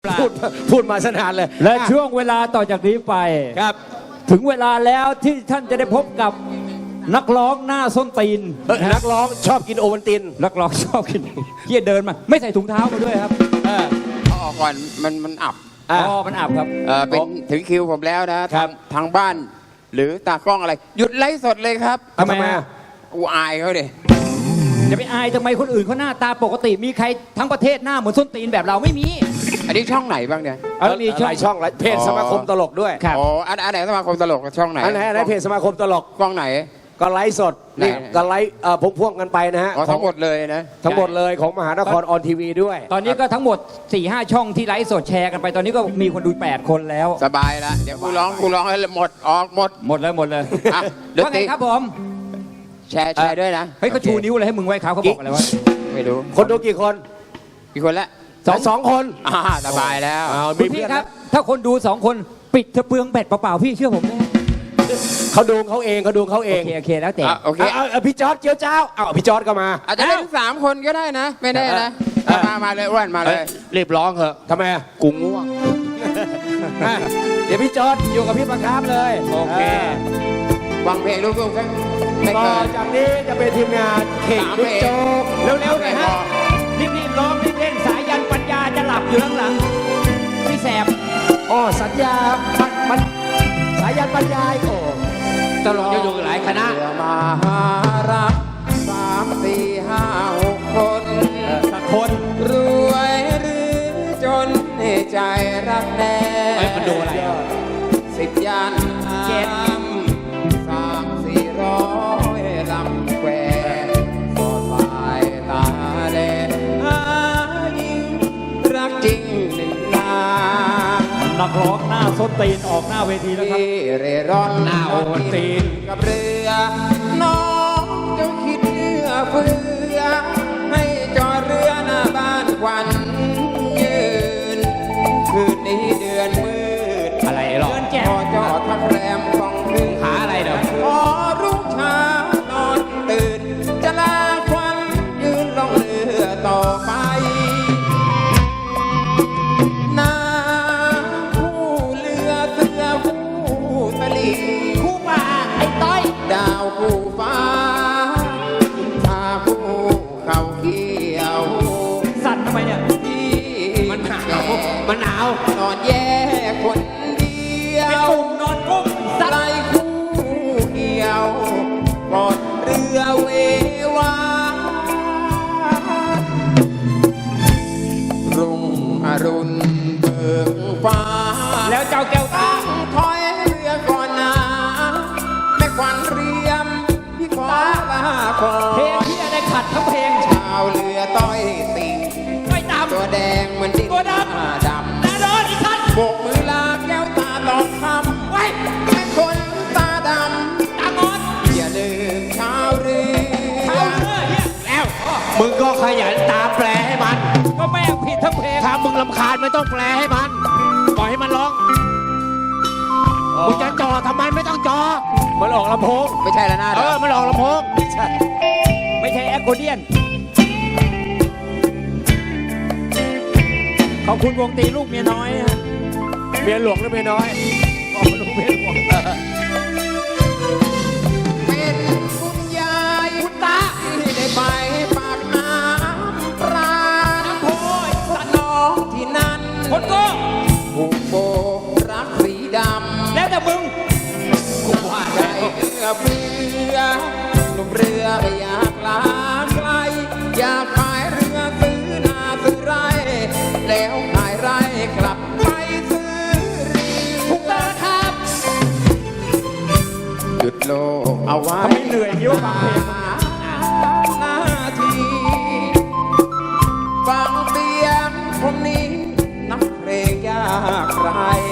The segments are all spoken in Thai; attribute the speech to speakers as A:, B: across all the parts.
A: พูดมาสนานเลย
B: และช่วงเวลาต่อจากนี้ไป
A: ครับ
B: ถึงเวลาแล้วที่ท่านจะได้พบกับนักร้องหน้าส้นตีน
A: นักร้องชอบกินโอวัลติน
B: นักร้องชอบกินเฮียเดินมาไม่ใส่ถุงเท้ามาด้วยครับ
C: เอาออกก่อนมันอับ
B: มันอับครับ
C: เป็นถึงคิวผมแล้วนะทางบ้านหรือตากล้องอะไรหยุดไลฟ์สดเลยครับ
A: ทำไม
C: กูอายเขาดิ
B: จะไปอายทำไมคนอื่นเขาหน้าตาปกติมีใครทั้งประเทศหน้าเหมือนส้นตีนแบบเราไม่มี
C: อันนี้ช่องไหนบ้างเนี่ย
A: มีหลายช่องเพจสมาคมตลกด้วย
C: อ๋ออันไหนสมาคมตลกช่องไหน
A: อันไหนเพจสมาคมตลก
C: ช่องไหน
A: ก็ไลฟ์สดนี่ก็ไลฟ์พ่วงกันไปนะฮะ
C: ทั้งหมดเลยนะ
A: ทั้งหมดเลยของมหานครออนทีวีด้วย
B: ตอนนี้ก็ทั้งหมด 4-5 ช่องที่ไลฟ์สดแชร์กันไปตอนนี้ก็มีคนดู8 คนแล้ว
C: สบายแล้วเดี๋ยวกูร้องให้หมดออกหมด
B: เลยว่าไงครับผม
C: แชร์ด้วยนะ
B: เฮ้ยเขาชูนิ้วอะไรให้มึงไว้เขาบอกอะไรวะ
C: ไม่รู้
A: คนดูกี่คน
C: ละ
A: สองคน
C: สบายแล้ว
B: พี่ครับถ้าคนดู2 คนปิดเธอเปลืองแบตเปล่าๆพี่เชื่อผมนะ
A: เขาดูเขาเองโ
B: อเคแล้วแต่
A: โอเคพี่จอร์ดเจียวเจ้าพี่จอร์ดก็มา
C: อาจจะเล่น3 คนก็ได้นะไม่แน่นะมาเลยอ้วนมาเลย
A: รีบร้องเหอะทำไม
C: กูง่วง
A: เดี๋ยวพี่จอร์ดอยู่กับพี่ประคับเลย
C: โอเควางเพลงลูกๆสัก
A: ต่อจากนี้จะเป็นทีมงานเข่งลูกโจ๊ก
B: เร็วๆหน่อยฮะรีบร้องรีบเล่นสายันปัญญาจะหลับอยู่ข้างหลังพี่แสบ
A: สัญญามันสายันปัญญาโอ้
B: ตลกจะอยู่หลายคณะ
C: มารัก3 4 5 6 คน
B: สักคน
C: รวยหรือจนใจรักแน่
B: มันดูอะไร
C: 10 ยัน300-400 ลำแควสดสายตาแลหายิ่งรักจริงหนึ่งนา
B: นักร้องหน้าส้นตีนออกหน้าเวทีแล้วครับ
C: เร่ร่อน
B: หน้าโอวัลติน
C: กับเรือน้องเจ้าคิดเนื้อเฟือให้จอดเรือหน้าบ้านควันยืนคืนนี้เดือนมืด
B: อะไรหรอ
C: พอจอดทักแรมของคืน
B: ขาอะไรเด้อ
C: พอรุ่งเช้านอนตื่นจะลาควันยืนลงเรือต่อไป
B: คู่ป่าไอ้ต้อย
C: ดาวคู่ฟ้าพาคู่เขาเกี่ยว
B: สั่นทำไมเนี่ย
C: ที่
B: มันหนาว
C: นอนแย่คนเดียว
B: เป็นกลุ่มนอนกุ้ม
C: ไล่คู่เกี่ยวกอดเรือเววารุ่งอรุณเบิกฟ้า
B: แล้วเจ้าแก้วตา
C: ถอยเรือก่อนนะแม่ควันเรียมพี่ขอลาก่อน
B: เพลงที่อะไรขัดทั้งเพลง
C: ชาวเรือต้อยติ่งตัวแดงเหมือนดิน
B: ตัวด
C: ำ
B: แต่โดนอีกท่าน
C: โบกมือลาแก้วตาตอกคำไว้แม่คนตาด
B: ำตางอน
C: อย่าลืมชาวเรือ
A: แล้วมึงก็ขยันตาแปลให้มัน
B: ก็แม่ผิดทั้งเพลง
A: ถ้ามึงรำคาญไม่ต้องแปลให้มันปล่อยให้มันร้องมึงจะจ่อทำไมไม่ต้องจ่อมันออกลำโพง
C: ไม่ใช่แล้วนะ
A: มันออกลำโพง
B: ไม่ใช่แอคโคเดียนขอบคุณวงตีลูกเมียน้อย
A: เมียหลวงหรือเมียน้อย
C: ลูกเมียหลวงเป็นคุณยาย
B: คุณตา
C: ที่ได้ไปปากน้ำปลาน้ำโพยสันน้องที่นั่น
B: คนก็
C: ผูกโบรักสีดำ
B: แล้วแต่มึง
C: กูว่าใจเอื้อเฟื้อนุ่มเรือไม่อยากลาไกลอยากขายเรือซื้อนาซื้อไร่แล้วขายไร่กลับไปซื้อเรือ
B: ถูกต้องครับ
C: หยุดโลกเอาไว้
B: ไม่เหนื่อยยิ้วฟังเพลง
C: นาทีฟังเสียงคนนี้นักเพลงยากไร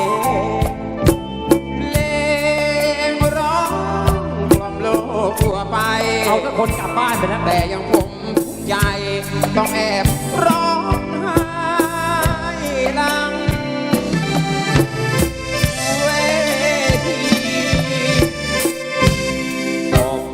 C: ทั่วไป
B: เอาทุกคนกลับบ้านไปแล้ว
C: แต่ยังผมทุกใจต้องแอบร้องไห้หลังเวที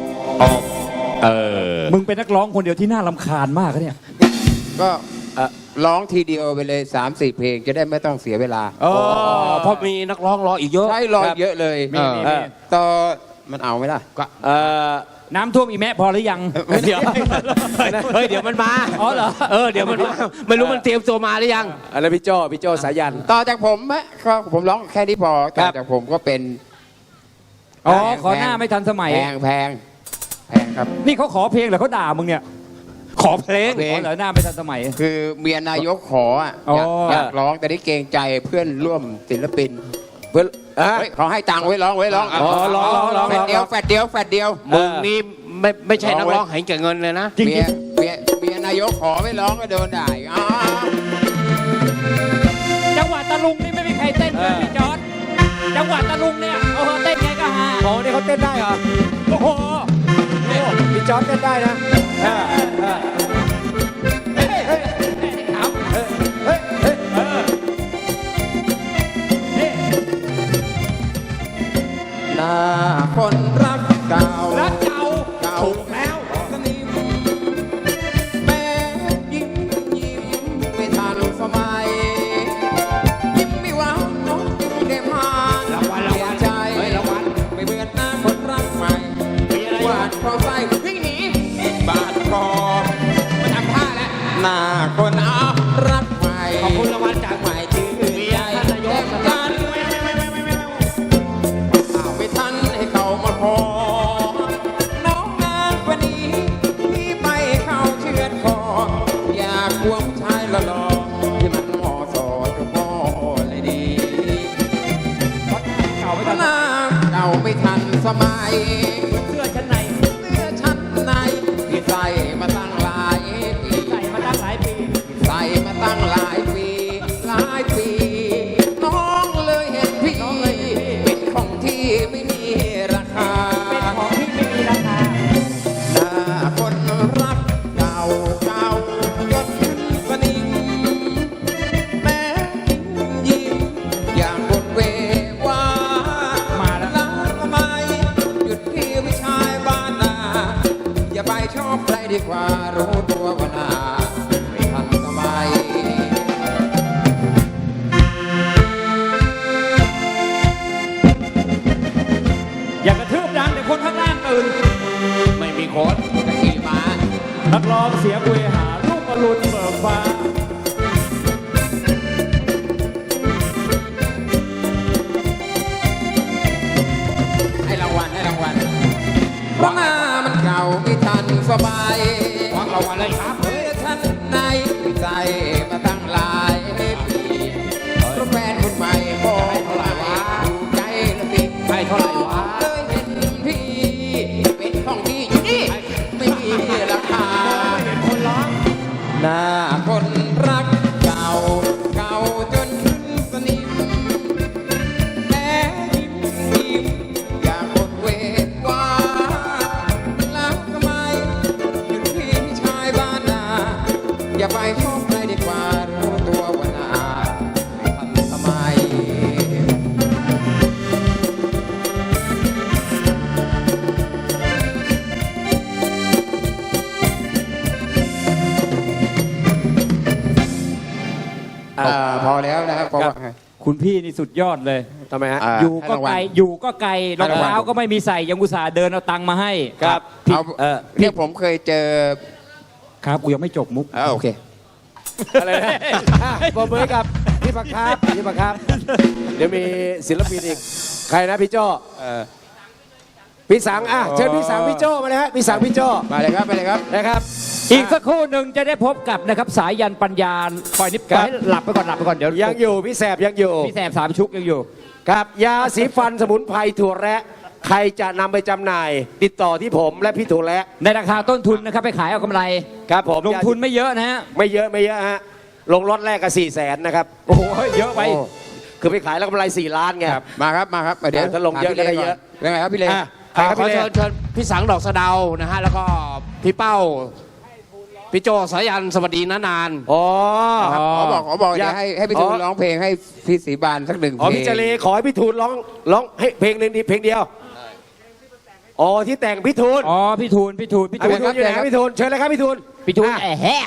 B: มึงเป็นนักร้องคนเดียวที่น่ารำคาญมากเนี่ย
C: ก็ร้องทีเดียวไปเลย 3-4 เพลงจะได้ไม่ต้องเสียเวลา
A: อ๋อเพราะมีนักร้องรออีกเยอะ
C: ใช่ร้องเยอะเลย
B: มี
C: ต่อมันเอาไหมล่ะ
A: ก็
B: น้ำท่วมอีแม่พอหรือยัง
A: เดี๋ยวเฮ้ยเดี๋ยวมันมา
B: อ๋อเหรอ
A: เดี๋ยวมันมาไม่รู้มันเตรียมตัวมาหรือยังอะไรพี่โจสายัน
C: ต่อจากผมอะก็ผมร้องแค่นี้พอต่อจากผมก็เป็น
B: อ๋อขอหน้าไม่ทันสมัย
C: แพงครับ
B: นี่เขาขอเพลงหรือเขาด่ามึงเนี่ย
A: ขอเพลง
C: เพลง
B: อ๋อเหรอหน้าไม่ทันสมัย
C: คือเมียนายกขออะ
B: อ๋อ
C: อยากร้องแต่ได้เกรงใจเพื่อนร่วมศิลปิน
A: เพื่อน
C: เฮ้ยเขาให้ตังค์ไว้ร้อง
A: อ๋อร้อง
C: แฟดเดียว
A: มึงนี่ไม่ใช่นักร้องเห็นแก่เงินเลยนะ
B: จริง
C: เมียนายกขอไม่ร้องก็โดนด่าอีกอ๋อ
B: ๆจังหวัดตะลุงนี่ไม่มีใครเต้นเลยพี่จอร์ดจังหวัดตะลุงเนี่ยโอ้โหเต้นไงก็ฮา
A: โอ้นี่เขาเต้นได้เหรอ
B: โอ้โห
A: พี่จอร์ดเต้นได้นะ
C: หน้าคนรักเก่า
B: รักเก่า
C: ถูกแล้วสนิมแม้ยิ้มไม่ทันสมัย ยิ้มไม่หวานน้องได้มารางวัลใจไม่เบื่อหน้าคนรักใหม่หวานคอใส่วิ่งหนีบาดคอมาทำท่าแล้วหน้าคนรักใหม่
B: ขอบคุณรางวัลจาก
C: ใหม่ชื่อใจเต็มกันไม่ทันให้เขามาขอน้องนานกว่านี้พี่ไปเข้าเชือดคออยากควงชายหล่อๆที่มันเหมาะสมกับพ่อเลยดี
B: เก่าไม่
C: พ
B: ทัน
C: นางเก่าไม่ทันสมัย
B: เสื้อชั้นใน
C: เสื้อชั้นในที่ใส่มาตั้งหลายปี
B: ใส่มาตั้งหลายปี
C: ใส่มาตั้งหลายปี น้องเลยเห็นพี่เป็นของที่ไม่มีราคา
B: เป็นของที่ไม่มีราคา
C: หน้าคนรักเก่าจนขึ้นสนิมแม้ยิ้มอย่างบนเววา
B: มาแล้ว
C: ล้างทำไมหยุดที่วิชายบ้านนาอย่าไปชอบใครดีกว่ารู้ตัวว่าหน้าไม่ทันสมัย
B: อย่ากระทืบดังเดี๋ยวคนข้างล่างตื่น
A: ไม่มีโค้ด
C: กะขี่ม้า
B: นักร้องเสียงเวหาลูกอรุณเบิกฟ้า
C: ให้รางวัลเพราะหน้ามันเก่าไม่ทันสบาย
A: วางรางวัลเลยครับ
C: เมื่อฉันในใจมาตั้งหลายปีเพราะแฟนคนใหม่ก็ให้เท่าไหร่วะดูใจละสิ
A: ให้เท่าไหร่วะ
C: เลยเห็นพี่เป็นของที่อยู่นี่ไม่มีราคา
B: เห็นคนร้อง
C: หน้าคนรักเก่าจนขึ้นสนิมแม้ยิ้มอยากหมดเวทว่ารักทำไมหยุดพี่ชายบ้านนาอย่าไปชอบใครดีกว่ารู้ตัวว่าหน้าไม่ทันสมัย พอแล้วนะครับเพราะว่า
B: คุณพี่นี่สุดยอดเลย
A: ทำไมฮะ
B: อยู่ก็ไกลอยู่ก็ไกลรอง
C: ให้รางวัล
B: เท้าก็ไม่มีใส่ยังอุตส่าห์เดินเอาตังค์มาให้
A: ครับ
C: เอาเนี่ยผมเคยเจอ
B: ครับกูยังไม่จบมุก
C: โอเค
A: อะไรนะบอมเบอร์กับพี่ประครับเดี๋ยวมีศิลปินอีก ใครนะพี่โจ้พี่สังเชิญพี่สังพี่โจ้มาเลยฮะพี่สังพี่โจ้
C: มาเลยครับ
A: นะครับ
B: อีกสักครู่หนึ่งจะได้พบกับนะครับสายยันปัญญาปล่อยนิดปล่อยให้หลับไปก่อนเดี๋ยว
A: ยังอยู่พี่แสบยังอยู่
B: พี่แสบสามชุกยังอยู่
A: ครับยาสีฟันสมุนไพรถั่วแระใครจะนำไปจำหน่าย ติดต่อที่ผมและพี่ถั่วแระ
B: ในราคาต้นทุนนะครับไปขายเอากำไร
A: ครับผม
B: ลงทุนไม่เยอะนะฮะ
A: ไม่เยอะฮะลงรถแรกก็400,000นะครับ
B: โอ้โหเยอะไป
A: โอ้คือไปขายแล้วกำไร4 ล้านไง
C: มาครับเดี๋ยว
A: ถ้าลงเยอะก็ได้เยอะ
C: เป็นไงครับพี่เล่
A: ขอเชิญพี่สังดอกสะเดานะฮะแล้วก็พี่เป้าพี่โจสายันสวัสดีนานๆอ๋อ
C: ขอบอกอยากให้พี่ทูลร้องเพลงให้พี่ศรีบานสักหนึ่งเพลง
A: พี่เจเลขอให้พี่ทูลร้องให้เพลงหนึ่งเพลงเดียวอ๋อที่แต่งพี่ทูล
B: อ๋อพี่ทูล
A: พี่ทูลอยู่ไหนพี่ทูลเชิญเลยครับพี่ทูล
B: พี่ทูลแอะแฮะ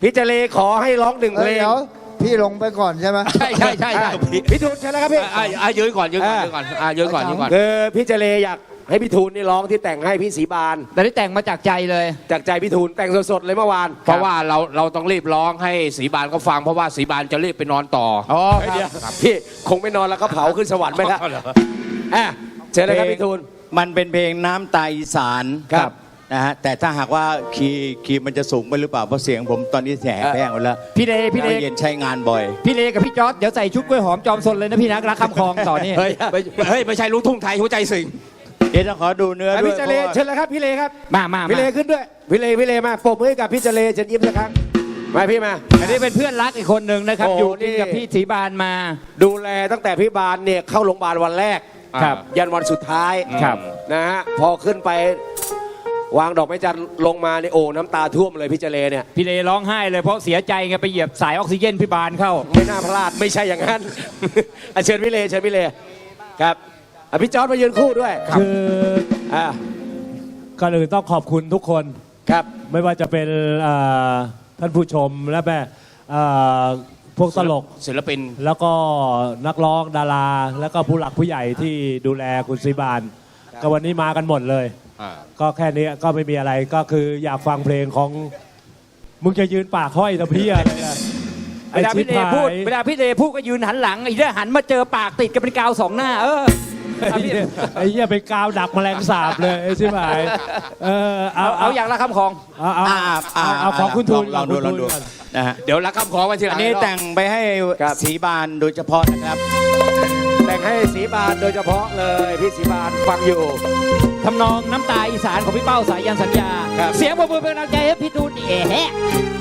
A: พี่เจเลขอให้ร้องหนึ่งเพลง
D: เดี๋ยวพี่ลงไปก่อนใช่ไหม
B: ใช่ใช่ใช่ใช่
A: พี่ทูนเชิญแล้วครับพี่
B: ยืนก่อนยืนก่อนยืนก่อนยืนก่อนยืนก่อน
A: คือพี่เจเลอยากให้พี่ทูนนี่ร้องที่แต่งให้พี่ศรีบาน
B: แต่ได้แต่งมาจากใจเลย
A: จากใจพี่ทูนแต่งสดๆเลยเมื่อวาน
E: เพราะว่าเราต้องรีบร้องให้ศรีบานเขาฟังเพราะว่าศรีบานจะรีบไปนอนต่อ
B: อ๋อ
A: เฮ้ยเดี๋ยวพี่คงไม่นอนแล้วก็เผาขึ้นสวรรค์ไปแล้วอ่ะเชิญเลยครับพี่ทูน
F: มันเป็นเพลงน้ำตาอีสาน
A: ครับ
F: นะฮะแต่ถ้าหากว่าคีย์มันจะสูงไปหรือเปล่าเพราะเสียงผมตอนนี้แหบแห้งหมดแล้ว
B: พี่เลพี่เล
F: เย็นใช้งานบ่อย
B: พี่เลกับพี่จอร์ดเดี๋ยวใส่ชุดกล้วยหอมจอมซนเลยนะพี่นะรักคำคลองต่อนี่
E: เฮ้ยไม่ใช่ลูกทุ่งไทยหัวใจสิง
F: เดี๋ยวต้องขอดูเนื้อด้วย
A: พี่เจเล
F: พราะว่า
A: เชิญเลยครับพี่เลครับ
B: มา
A: พี่เลขึ้นด้วยพี่เลมาปรบมือให้กับพี่เจเลเชิญยิ้มสักครั้งมาพี่มา
B: อันนี้เป็นเพื่อนรักอีกคนหนึ่งนะครับ
A: โอ้
B: อยู่กิน
A: นี่
B: กับพี่ศรีบานมา
A: ดูแลตั้งแต่พี่บานเนี่ยเข้าโรงพยาบาลวันแรก
E: ครับ
A: ยันวันสุดท้าย
B: ครับ
A: นะฮะพอขึ้นไปวางดอกไม้จันทร์ลงมาในโอ้น้ำตาท่วมเลยพี่เจเลเนี่ย
B: พี่เลร้องไห้เลยเพราะเสียใจไงไปเหยียบสายออกซิเจนพี่บานเข้า
A: ไม่น่าพลาดไม่ใช่อย่างนั้น อ่ะเชิญพี่เลเชิญพี่เลครับอ่ะพี่จอร์ดมายืนคู่ด้วย
G: คือ
A: อ่า
G: ก่อนอื่นต้องขอบคุณทุกคน
A: ครับ
G: ไม่ว่าจะเป็นท่านผู้ชมและแม่เอ่อพวกตลก
E: ศิลปิน
G: แล้วก็นักร้องดารา แล้วก็ผู้หลักผู้ใหญ่ที่ดูแลคุณศรีบาน ก็วันนี้มากันหมดเลย ก็แค่นี้ก็ไม่มีอะไรก็คืออยากฟังเพลงของมึงจะยืนปากห้อยตะเพียอะไรอะ
B: เวลาพี่เลพูดเวลาพี่เลพูดก็ยืนหันหลังไอ้เรื่องหันมาเจอปากติดกันเป็นกาวสองหน้า
G: ไอ้เหี้ยไอ้เหี้ยไปกาวดักแมลงสาบเลยไอ้ชิบหาย
B: เอาอย่างละคำคลอง
G: เอาของคุณทูน
F: ลองดู
G: ข
F: ล
G: คุ
F: อง
G: ณ
F: ดู
G: ทูนก่อน
F: นะฮะ
E: เดี๋ยวรักคำขอไว้ทีหลั
F: อั
E: ง
F: นนี้แต่งไปให้ศรีบานโดยเฉพาะนะครับ
A: แต่งให้สีบานโดยเฉพาะเลยพี่สีบานฟังอยู่
B: ทำนองน้ำตาอีสานของพี่เป้าสายันสัญญา
A: ครับ
B: เสียงปรบมือเป็นกำลังใจให้พี่ตูนแฮะ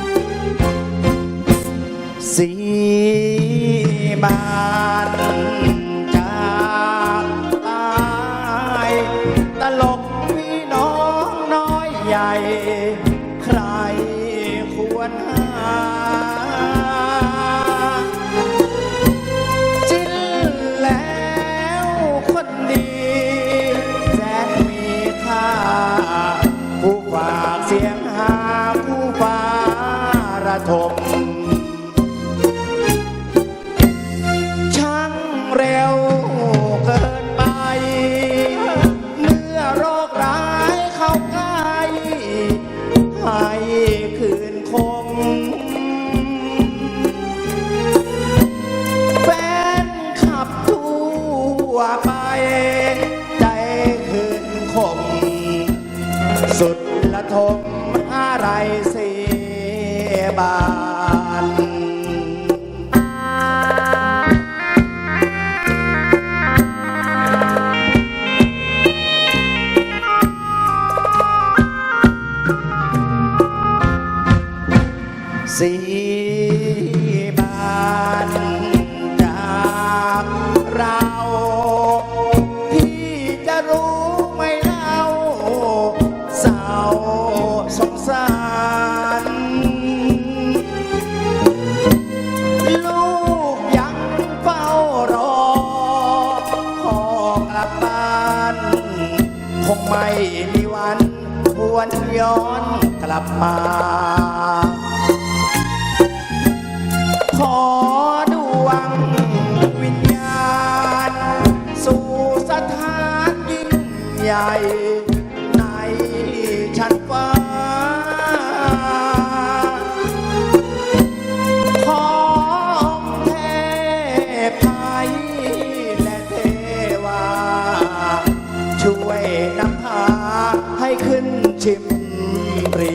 F: สีบานจากตายตลกพี่น้องน้อยใหญ่ ใครควรหาจิ้นแล้วคนดีแสนมีค่าผู้ฝากเสียงหาผู้ฟ้าระทม ช่างเร็วเกินไป เมื่อโรคร้ายเข้าใกล้ให้คืนคง แฟนขับทั่วไป ใจคืนคง สุดละทมอะไรเสียบาน สีบานจากเราพี่จะรู้ไหมเล่าเศร้าสงสารลูกยังเฝ้ารอพ่อกลับบ้านคงไม่มีวันหวนย้อนกลับมา ขอดวงวิญญาณสู่สถานยิ่งใหญ่ในชั้นฟ้า ของเทพไทยและเทวา ช่วยนำพาให้ขึ้นชิมปรี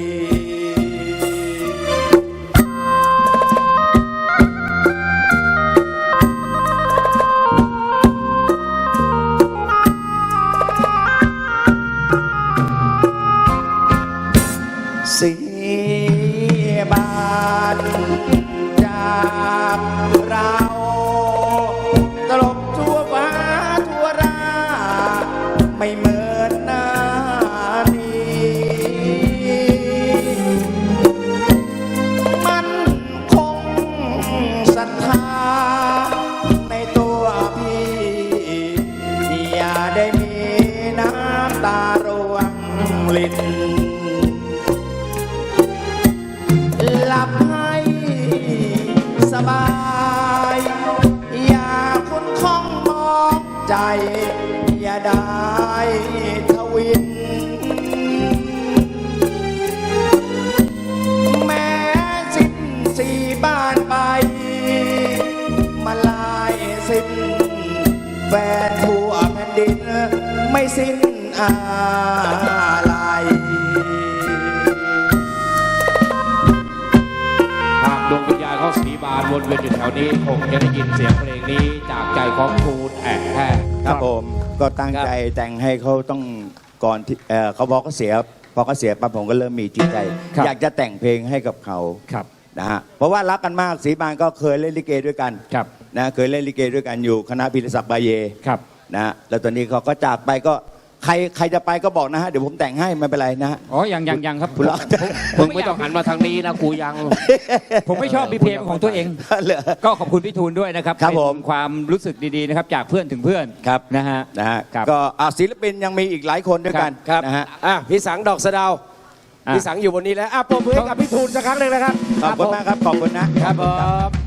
F: สีบานจากเราตลบทั่วฟ้าทั่วราไม่เหมือนหน้านี้ใจอย่าได้ทวิน แม้สิ้นสีบ้านไป มาลายสิ้นแฟนทั่วแผ่นดิน ไม่สิ้นอะไร
E: หากดวงวิญญาณของศรีบานวนเวียนอยู่แถวนี้คงจะได้ยินเสียงเพลงนี้จากใจของทูลแอบแท้
F: ครับผมก็ตั้งใจแต่งให้เขาต้องก่อนที่เขาบอกเขาเสียพอเขาเสียปั๊บผมก็เริ่มมีจิตใจ อยากจะแต่งเพลงให้กับเขา
B: ครับ
F: นะฮะเพราะว่ารักกันมากศรีบานก็เคยเล่นลิเกด้วยกัน
B: ครับ
F: นะเคยเล่นลิเกด้วยกันอยู่คณะพิรศักดิ์บาเย
B: ครับ
F: นะฮะแล้วตอนนี้เขาก็จากไปก็ใครจะไปก็บอกนะฮะเดี๋ยวผมแต่งให้ไม่เป็นไรนะฮะ
B: อ๋อยังครับ
F: คุณรัก
E: มึงไม่ต้องหันมาทางนี้นะกูยัง
B: ผมไม่ชอบมีเพลงของตัวเอง
F: เหรอ
B: ก็ขอบคุณพี่ทูลด้วยนะครับ
F: ครับ
B: เป็น
F: ผม
B: ความรู้สึกดีๆนะครับจากเพื่อนถึงเพื่อน
F: ครับ
B: นะฮะ
F: นะฮะ
B: ครับ
F: ก็ศิลปินยังมีอีกหลายคนด้วยกัน
A: ครับ
F: นะฮะ
A: พี่สังดอกสะเดาว
B: อ่ะ
A: พี่สังอยู่บนนี้แล้วปรบมือให้กับพี่ทูลสักครั้งหนึ่งนะครับ
F: ขอบคุณมากครับขอบคุณนะ
A: ครับผม